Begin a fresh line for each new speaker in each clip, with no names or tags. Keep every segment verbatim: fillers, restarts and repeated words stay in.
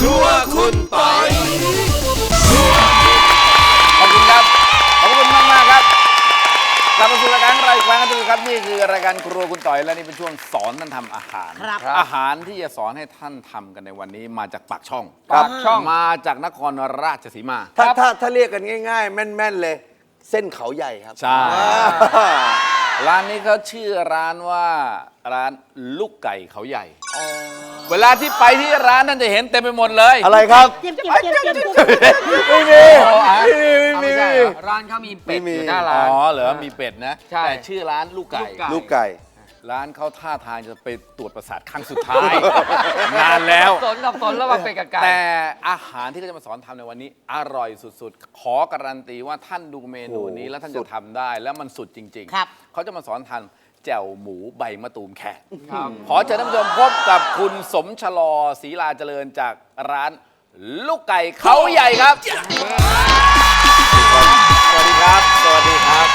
รัวคุณปอย
ขอบคุณครับขอบคุณมากมากครับกลับมาสู่รายการของเราอีกครั้งนะครับนี่คือรายการครัวคุณต่อยและนี่เป็นช่วงสอนท่านทำอาหาร อาหารที่จะสอนให้ท่านทำกันในวันนี้มาจากปากช่อง
ปากช่อง
มาจากนครราชสีมา
ถ้าถ้าถ้าเรียกกันง่ายๆ แม่นๆเลย เส้นเขาใหญ่ครับ
ใช่ ร้านนี้เขาชื่อร้านว่าร้านลูกไก่เขาใหญ่เวลาที่ไปที่ร้านท่านจะเห็นเต็มไปหมดเลย
อะไรครับ
เจียมเจียมเจียมเจียม
ไม่มี
อ๋ออ่ะ
ไม่มี
ไม่
ไม่
ใช่
มี
เหรอร้านเขามีเป็ด
ไม่มี
อยู่หน้า
อ๋
ร้าน
อเหรอมีเป็ดนะ
ใช่
แต่ชื่อร้านลูกไก่
ลูกไก่
ลูกไก่
ร้านเขาท่าทางจะไปตรวจประสาทครั้งสุดท้าย นานแล้ว
สนกับสนแล้วว่าเป็ดกับไก่
แต่อาหารที่เขาจะมาสอนทำในวันนี้ อร่อยสุดๆ ขอการันตีว่าท่านดูเมนูนี้แล้วท่านจะทำได้แล้วมันสุดจริงๆ
ครับ
เขาจะมาสอนทำแจ่วหมูใบมะตูมแขก
ครับ
ขอเชิญท่านผู้ชมพบกับคุณสมชลอศรีลาเจริญจากร้านลูกไก่เขาใหญ่ครับ สวัสดีครับ สวัสดีครับ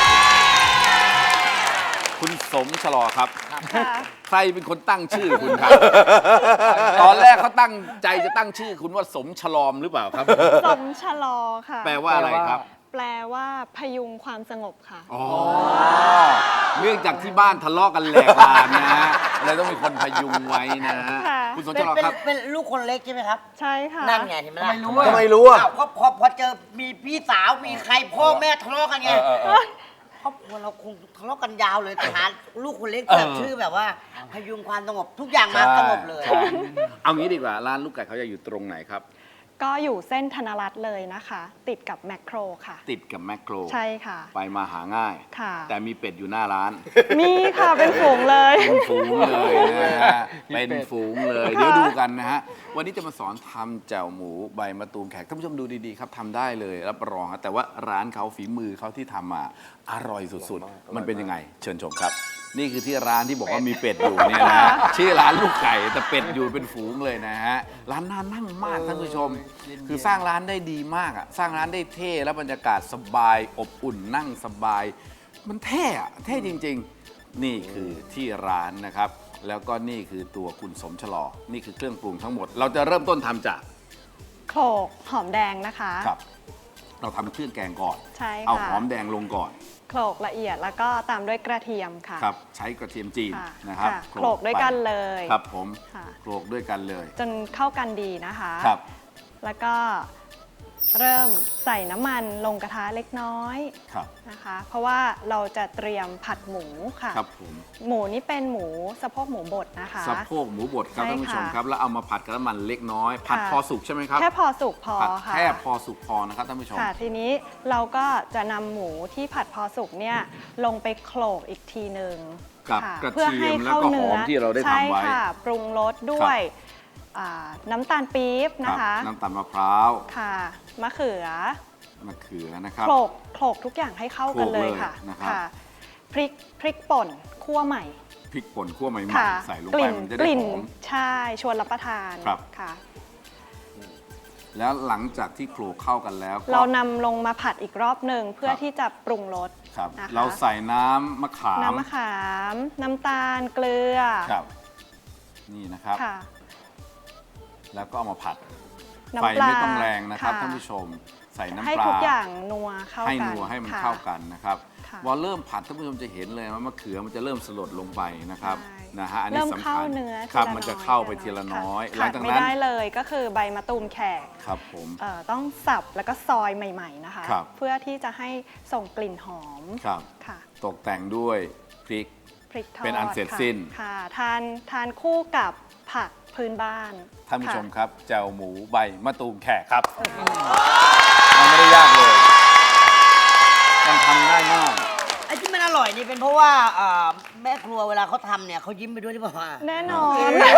คุณสมชลอครับ ใครเป็นคนตั้งชื่อคุณครับ ตอนแรกเขาตั้งใจจะตั้งชื่อคุณว่าสมฉลอมหรือเปล่าครับ
สมชะลอค่ะ
แปลว่าอะไรครับ
แปลว่าพยุงความสงบค่ะ
อ๋อ เนื่องจากที่บ้านทะเลาะกันแหลกลานนะฮะเลยต้องมีคนพยุงไว้นะฮะ
ค่ะ
คุณสม
เป็
ช
น
ลอ
เป็น
ครับ
เป็นลูกคนเล็กใช่ไหมครับ
ใช่ค่ะ
นั่นไงเห็นไหมล่ะ
ทำไมรู้
ทำไมรู้อ่ะ
อ้าวก็พอพอเจอมีพี่สาวมีใครพ่อแม่ทะเลาะกันไง
เออเออเออ
ครอบครัวเราคงทะเลาะกันยาวเลยแต่หาลูกคนเล็ก
เออ
แบบชื่อแบบว่า พยุงความสงบทุกอย่างมาสงบเลย
ใช่เอางี้ดีกว่าร้านลูกไก่เขาจะอยู่ตรงไหนครับ
ก็อยู่เส้นธนรัตน์เลยนะคะ ติดกับแมคโครค่ะ
ติดกับแมคโคร
ใช่ค่ะ
ไปมาหาง่าย
ค่ะ
แต่มีเป็ดอยู่หน้าร้าน
มีค่ะเป็นฝูงเลย
เป็นฝูงเลยนะฮะ เป็นฝูงเลย เดี๋ยวดูกันนะฮะ วันนี้จะมาสอนทำแจ่วหมูใบมะตูมแขกท่านผู้ชมดูดีๆครับทำได้เลยรับรองครับแต่ว่าร้านเขาฝีมือเขาที่ทำมาอร่อยสุดๆ มันเป็นยังไง เชิญชมครับ นี่คือที่ร้านที่บอกว่ามีเป็ดอยู่เนี่ยนะฮะชื่อร้านลูกไก่แต่เป็ดอยู่เป็นฝูงเลยนะฮะร้านน่านั่งมากท่านผู้ชม คือสร้างร้านได้ดีมากอ่ะสร้างร้านได้เท่แล้วบรรยากาศสบายอบอุ่นนั่งสบาย มันเท่อะเท่จริงๆ นี่คือที่ร้านนะครับ แล้วก็นี่คือตัวคุณสมชลอ นี่คือเครื่องปรุงทั้งหมด เราจะเริ่มต้นทำจาก
โขลกหอมแดงนะคะ
ครับ เราทำเครื่องแกงก่อน
ใช่
เอา
ค่ะ
หอมแดงลงก่อน
โขลกละเอียดแล้วก็ตามด้วยกระเทียมค่ะ
ครับ ใช้กระเทียมจีน
ค่ะ
นะครับ
ค่ะโขลกด้วยกันเลย
ครับผม
ค่ะ
โขลกด้วยกันเลย
จนเข้ากันดีนะคะ
ครับ
แล้วก็เริ่มใส่น้ำมันลงกระทะเล็กน้อย
ครับ
นะคะ เพราะว่าเราจะเตรียมผัดหมูค่ะ
ครับผม
หมูนี่เป็นหมูสะโพกหมูบดนะคะ
สะโพกหมูบดครับ
ใช่
ท่านผู้ชม
ค่ะ
ครับ แล้วเอามาผัดกับน้ำมันเล็กน้อย ผัด
ค่ะ
พอสุกใช่ไหมครับ
แค่พอสุกพอ
ผัด
ค่ะ
แค่พอสุกพอนะครับท่านผู้ชม
ค่ะ ทีนี้เราก็จะนำหมูที่ผัดพอสุกเนี่ยลงไปโขลกอีกทีหนึ่ง
กับ
ค่ะ
กระ
เพื่อ
เที
ให้
ยมแล้ว
เข้า
ก็ห
เนื้
อมที่เราได้ทำไว้
ใช่ค่ะ ปรุงรสด้วยอ่าน้ำตาลปี๊บ
ค
นะ
รับ
คะ
น้ำตาลมะพร้าว
ค่ะมะเขือ
มะเขือนะครับ
โขลกโขลกทุกอย่างให้เข้ากันเลยค่ะ
โขลกเลยนะครับ
ค่ะพริกพริกป่นคั่วใหม่
พริกป่นคั่วใหม่
ค่ะ
ๆใส่ลง
ก
ไป
ลิ่น
มันจะ
ก
ได้
ลิ่น
หอม
ใช่ชวนรับประทาน
ครับ
ค่ะ
แล้วหลังจากที่โขลกเข้ากันแล้วก็
เรานำลงมาผัดอีกรอบหนึ่งเพื่อ
ครับ
ที่จะปรุงรส
ครับ
นะคะ
เราใส่น้ำมะขาม
น้ำมะขาม น้ำตาลเกลือ
ครับ นี่นะครับ
ค่ะ
แล้วก็เอามาผัด
น้ำ
ไฟ
ปลา
ไม่ต้องแรงนะครับ
ค่ะ
ท่านผู้ชม ใส่น้ำ
ให้
ปลา
ทุกอย่างนัวเข้า
ให้
กัน
นัวให้มัน
ค่ะ
เข้ากันนะครับ
ค่ะ
พอเริ่มผัดท่านผู้ชมจะเห็นเลยว่ามะเขือมันจะเริ่มสลดลงไปนะครับ
ใช่
นะฮะอันนี้
เริ่ม
สำ
เข้า
คัญ
เนื้อ
ครับ
ทีล
มันจะ
อย
เข้าไปทีละน้อย
ค่ะ
หลัง
ขาด
จาก
ไม่
นั้น
ได้เลยก็คือใบมะตูมแขก
ครับผม
เอ่อต้องสับแล้วก็ซอยใหม่ ๆนะคะ
ครับ
เพื่อที่จะให้ส่งกลิ่นหอม
ครับ
ค่ะ
ตกแต่งด้วยพริก
พริกทอด
เป็นอันเสร็จ
ค่ะ
สิ้น
ค่ะทานทานคู่กับผักพื้นบ้าน
ท่านผู้ชม
ค่ะ
ครับแจ่วหมูใบมะตูมแขกครับมันไม่ได้ยากเลย มันทำง่ายมาก
ไอ้ที่มันอร่อยนี่เป็นเพราะว่าเอ่อแม่ครัวเวลาเขาทำเนี่ยเขายิ้มไปด้วยหรือเปล่า
แน่นอน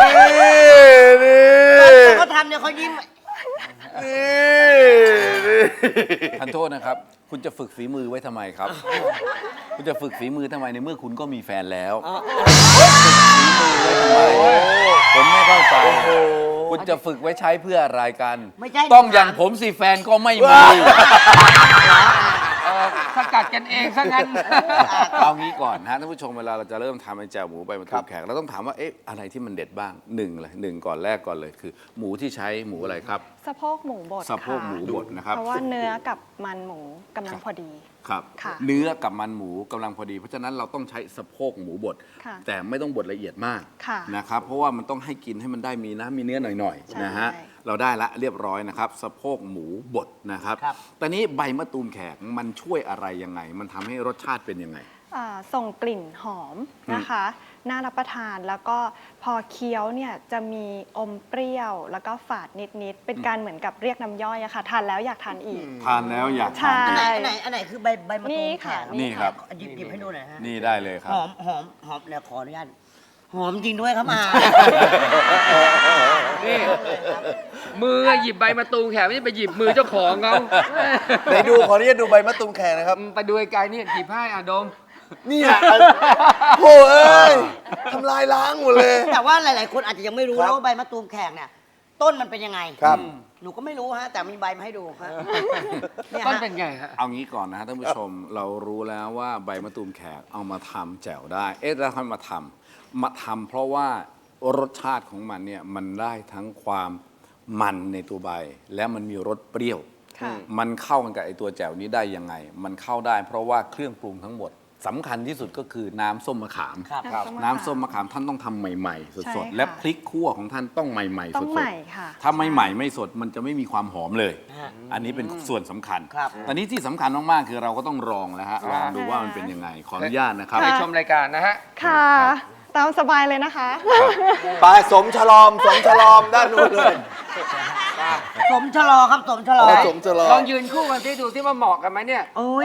แต่เขาทำเนี่ยเขายิ้ม
ท่านโทษนะครับ คุณจะฝึกฝีมือไว้ทำไมครับ คุณจะฝึกฝีมือทำไมในเมื่อคุณก็มีแฟนแล้วฝึกฝีมือไว้ทำไมผมไม่เข้าใจคุณจะฝึกไว้ใช้เพื่ออะไรกัน
ไม่ใช่
ต้องอย่างผมสิแฟนก็ไม่มี
เออสกัดกันเองซะงั้น
เอางี้ก่อนนะฮะท่านผู้ชมเวลาเราจะเริ่มทำไอ้แจ่วหมูใบมะตูมแขกเราต้องถามว่าเอ๊ะอะไรที่มันเด็ดบ้างหนึ่งเลยหนึ่งก่อนแรกก่อนเลยคือ หมูที่ใช้หมูอะไรครับ
สะโพกหมูบด
สะโพก
ค่ะ
หมูบดนะครับ
เพราะว่าเนื้อกับมันหมูกำลังพอดี
ครับ
ค่ะ
เนื้อกับมันหมูกำลังพอดี เพราะฉะนั้นเราต้องใช้สะโพกหมูบด
ค่ะ
แต่ไม่ต้องบดละเอียดมาก
ค่ะ
นะครับเพราะว่ามันต้องให้กินให้มันได้มีน้ำมีเนื้อหน่อย
ใช่
ๆนะฮะเราได้ละเรียบร้อยนะครับสะโพกหมูบดนะครับ
ครับ
ตอนนี้ใบมะตูมแขกมันช่วยอะไรยังไง มันทำให้รสชาติเป็นยังไง
อ่าส่งกลิ่นหอมนะคะ น่ารับประทานแล้วก็พอเคี้ยวเนี่ยจะมีอมเปรี้ยว แล้วก็ฝาดนิด ๆ เป็นการเหมือนกับเรียกน้ำย่อยอะค่ะทานแล้วอยากทานอีก
ทานแล้วอยาก
ใช่
ทาน
อัน
อีก
ไหนอันไหนอันไหนคือใบใบมะตู
นี่
มแข
ค่ะ
ก
นี่ครับ
หยิบหยิบให้ดูหน่อยฮะ
นี่ได้เลยครั
ห
บ
อมหอมหอมเนี่ยขออนุญาตหอมจริงด้วยครับอา
นี่ มือหยิบใบมะตูมแขกไม่ได้ไปหยิบมือเจ้าของเขา
ไหนดูขออนุญาตดูใบมะตูมแขกนะครับ
ไปดูไกลๆนี่หยิบให้อ่ะดม
เนี่ยโอ้เอ้ยทำลายล้างหมดเลย
แต่ว่าหลาย ๆ คนอาจจะยังไม่รู้
ครับ
นะว่าใบมะตูมแขกเนี่ย ต้นมันเป็นยังไง
ครับ
หนูก็ไม่รู้ฮะ แต่มีใบมาให้ดูฮะเนี่ย
ต้น
ฮะ
เป็นไงฮะ
เอางี้ก่อนนะฮะท่านผู้ชมเรารู้แล้วว่าใบมะตูมแขกเอามาทำแจ่วได้ เอ๊ะแล้วทำไมมาทำมาทำเพราะว่ารสชาติของมันเนี่ยมันได้ทั้งความมันในตัวใบ และมันมีรสเปรี้ยว
ค่ะ
มันเข้ากันกับไอตัวแจ่วนี้ได้ยังไง มันเข้าได้เพราะว่าเครื่องปรุงทั้งหมดสำคัญที่สุดก็คือน้ำส้มมะขาม
ครับ
ครับ
น้ำส้มมะขามท่านต้องทำใหม่ ๆ
ใช่
สดๆ
ค่ะ
และพริกคั่วของท่านต้องใหม่ๆ
ต้
ส
อง
ด
ใหม่ค่ะ
ๆถ้าไม่ใหม่ไม่สดมันจะไม่มีความหอมเลย
ฮะ
อันนี้เป็นส่วนสำคัญ
ครับ
ตอนนี้ที่สำคัญมากๆคือเราก็ต้องลองแล้วฮะลองดูว่ามันเป็นยังไงขออนุญาตนะครับ
ไปชมรายการนะฮะ
ค่ะ ตามสบายเลยนะคะ
ไปสมฉลอม สมฉลอมด้านนู้นเลย
สมชะลอครับสมชะลอ
เอาสมฉลอ
ลอ
ม
งยืนคู่กันที่ดูที่ว่าเหมาะกันไหมเนี่ย
โอ้ย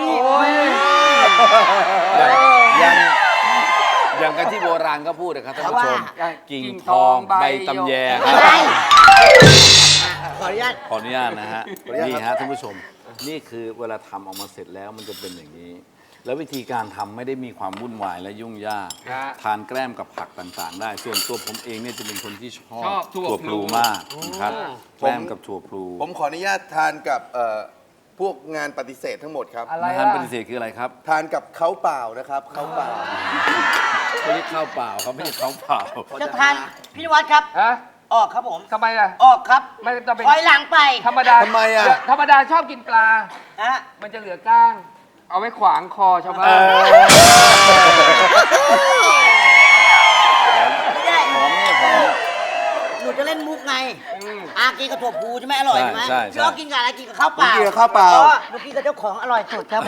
อย่างอย่างกันที่โบราณก็พูดนะครับท่านผู้ชม
ว่า
กิ่ง
กิ่ง
ทอง
ทองใบ
ใบตำแยครับ
ใช่ขออนุญาต
ขออนุญาตนะฮะ
ขออนุญาต
นี่
ครับ
ฮะท่านผู้ชม นี่คือเวลาทำออกมาเสร็จแล้วมันจะเป็นอย่างนี้ แล้ววิธีการทำไม่ได้มีความวุ่นวายและยุ่งยาก
ฮะ
ทานแกล้มกับผักต่างๆ ได้ ส่วนตัวผมเองเนี่ยจะเป็นคนที่ชอบ
ชอบถั่ว
พลูมากนะครับแกล้มกับถั่วพลู
ผมขออนุญาตทานกับเอ่อพวกงานปฏิเสธทั้งหมดครับ
อะไร
ท่าน
อ่ะ
ปฏิเสธคืออะไรครับ
ทานกับเขาเปล่านะครับเขาเปล่า
เขาเรียกข้าวเปล่าครับไม่ใช่ข้าวเปล่า
จะทานพี่นวัดครับ
ฮะ
ออกครับผม
ทำไมล่ะ
ออกครับ
ไม่ต้องเป็น
ถอยหลังไป
ธรรมดา
ทำไมอ่ะ
ธรรมดาชอบกินปลา
ฮะ
มันจะเหลือก้าง เอาไว้ขวางคอชาวบ้าน
ไม่ได้
หอมนี่หอม
หนูจะเล่นมุกไง
ม
อากินกับถั่วพูใช่ไหมอร่อยใช่ไหม
ใช่ใช่
พี่อ้อกินกับอะไรกินกับข้าวเปล่า
ผมกินกับข้าวเปล่า
อ๋อหนูกินกับเจ้าของอร่อยสุดครับผม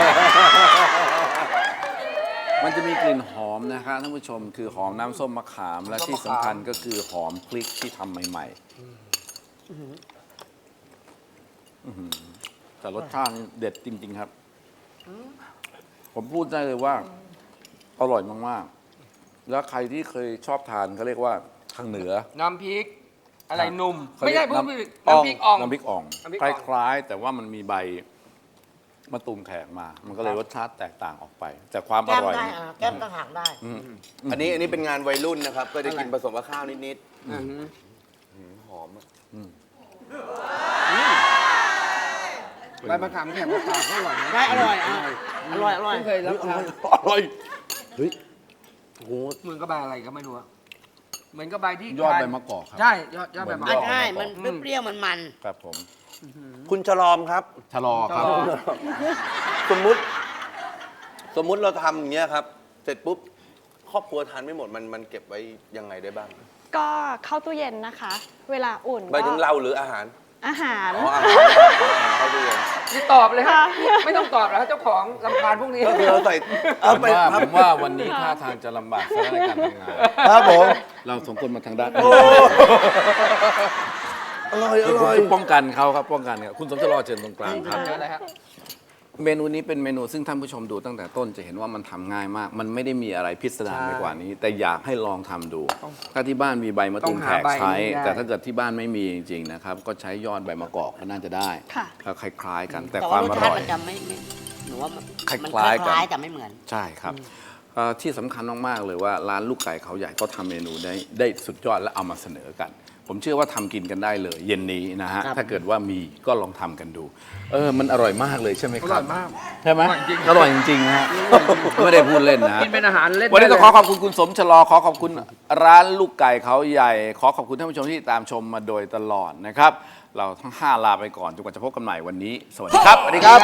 มันจะมีกลิ่นหอมนะครับท่านผู้ชมคือหอมน้ำส้มมะขามและที่สำคัญก็คือหอมพริกที่ทำใหม่ๆอื้อหือแต่รสชาตินี่เด็ดจริง ๆ ครับ ผมพูดได้เลยว่า อร่อยมาก ๆ แล้วใครที่เคยชอบทานเขาเรียกว่าทางเหนือ
น้ำพริก อะไรหนุ่ม
เขา
ไม่
เรี
ใช่
ยก
พูดผิดน้ำพริกอ่อง
น้ำพริกอ่อง
น้ำพริก
ค
อ่อง
ล้าย ๆ แต่ว่ามันมีใบมะตูมแขกมา มันก็เลยรสชาติแตกต่างออกไป แต่ความอ
แก้ม
ร่อย
ได้
เนี่ย
อ่ะแก้มต่างหากได้
อืม
อันนี้อันนี้เป็นงานวัยรุ่นนะครับ ก็จะกินผสมกับข้าวนิด
อือหือ
ๆหอมอะ
ใบมะขามแข็งมะขามก็อร่อยนะ
ได้อร่อยอ่ะอร่อยอร่อย
ไม่เคยรับทาน
อร่อยเฮ้ยโอ้โห
เหมือนกับใบอะไรก็ไม่รู้อะเหมือนกับใบที่
ยอด
ทาน
ใบมะกอกครับ
ใช่ยอดยอดใบมะก
อ่ะ
อก
ใช่มันเปรี้ยวๆมัน
ครับผม
คุณฉลอมครับ
ชะลอครับ
สมมุติ สมมุติเราทำอย่างเงี้ยครับ เสร็จปุ๊บ ครอบครัวทานไม่หมดมันมันเก็บไว้ยังไงได้บ้าง
ก็เข้าตู้เย็นนะคะ เวลาอุ่น
ไปถึง
ก็
เราหรืออาหาร
อาหาร
อ๋ออาหารอาหารเข้าตู้เย็น
นี่ตอบเลยฮะ
ค่ะ
ไม่ต้องตอบแล้วเจ้าของลำพานพวกนี้
ก็คือเราใส่
ผ
เอา
ม
ไป
ว่า
ครั
ผ
บ
มว่าวันนี้ท่าทางจะลำบากซะในการทำงาน
ครับผม
เราสองคนมาทางด้าน
โอ้อร่อยอ
คือผม
ร่อย
จะป้องกันเขาครับป้องกันครับคุณสมชะลอเชิญตรงกลางครับ
เยอะเลยฮะ
เมนูนี้เป็นเมนูซึ่งท่านผู้ชมดูตั้งแต่ต้นจะเห็นว่ามันทำง่ายมาก มันไม่ได้มีอะไรพิสดารไปกว่านี้ แต่อยากให้ลองทำดู ถ้าที่บ้านมีใบมะตูมแขกใช้ แต่ถ้าเกิดที่บ้านไม่มีจริงๆนะครับ ก็ใช้ยอดใบมะกอกก็น่าจะได้
ค่ะ
ก็คล้าย ๆ กัน แต่
แต่
ควา
ว่าม ร
อ
สชาติ
ร่อย
มันจะไม่ไม่หนูว่ามัน
คล้ายๆ
มัน
กัน
คล้ายๆแต่ไม่เหมือน
ใช่ครับเอ่อที่สำคัญมาก ๆ เลยว่าร้านลูกไก่เขาใหญ่เขาทำเมนูได้ได้สุดยอดและเอามาเสนอกันผมเชื่อว่าทำกินกันได้เลย เย็นนี้นะฮะ
ครับ
ถ้าเกิดว่ามีก็ลองทำกันดู เออมันอร่อยมากเลยใช่ไหมครับ
อร่อยมาก
ใช่ไหม
อร่อยจริง
อร่อยจริงๆนะฮะไม่ได้พูดเล่นนะฮะ
กินเป็นอาหารเล่น
วันนี้ต้อง
ได้
ข
เลย
อขอบคุณคุณสมชะลอขอขอบคุณร้านลูกไก่เขาใหญ่ ขอขอบคุณท่านผู้ชมที่ตามชมมาโดยตลอดนะครับ เราทั้งห้าลาไปก่อนจนกว่าจะพบกันใหม่วันนี้ สวัสดีครับสวัสดีครับ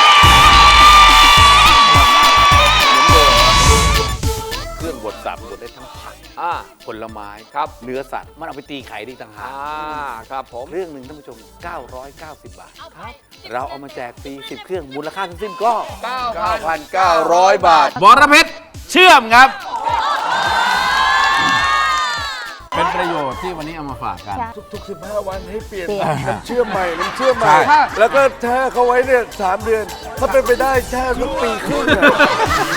เครื่องบดสับบดได้ทั้งผัก
อ่า
ผลไม้
ครับ
เนื้อสัตว์มันเอาไปตีไข่ได้ต่างหา
อ่าก ครับผม
เครื่องหนึ่งท่านผู้ชม เก้าร้อยเก้าสิบบาทเราเอามาแจกฟรีสิบเครื่องมูลค่าทั้งสิ้นก็
เก้า
เก้าพันเก้าร้อยบาท
บรเพชรเชื่อมครับ เป็นประโยชน์ที่วันนี้เอามาฝากกัน
ทุกๆสิบห้าวันให้เปลี่ยน
เปลี่ยน
น้ำเชื่อมใหม่น้ำเชื่อมใหม่
ใช่
แล้วก็แช่เขาไว้เนี่ยสามเดือน ถ้าเป็นไปได้แช่สักปีครึ่งอะ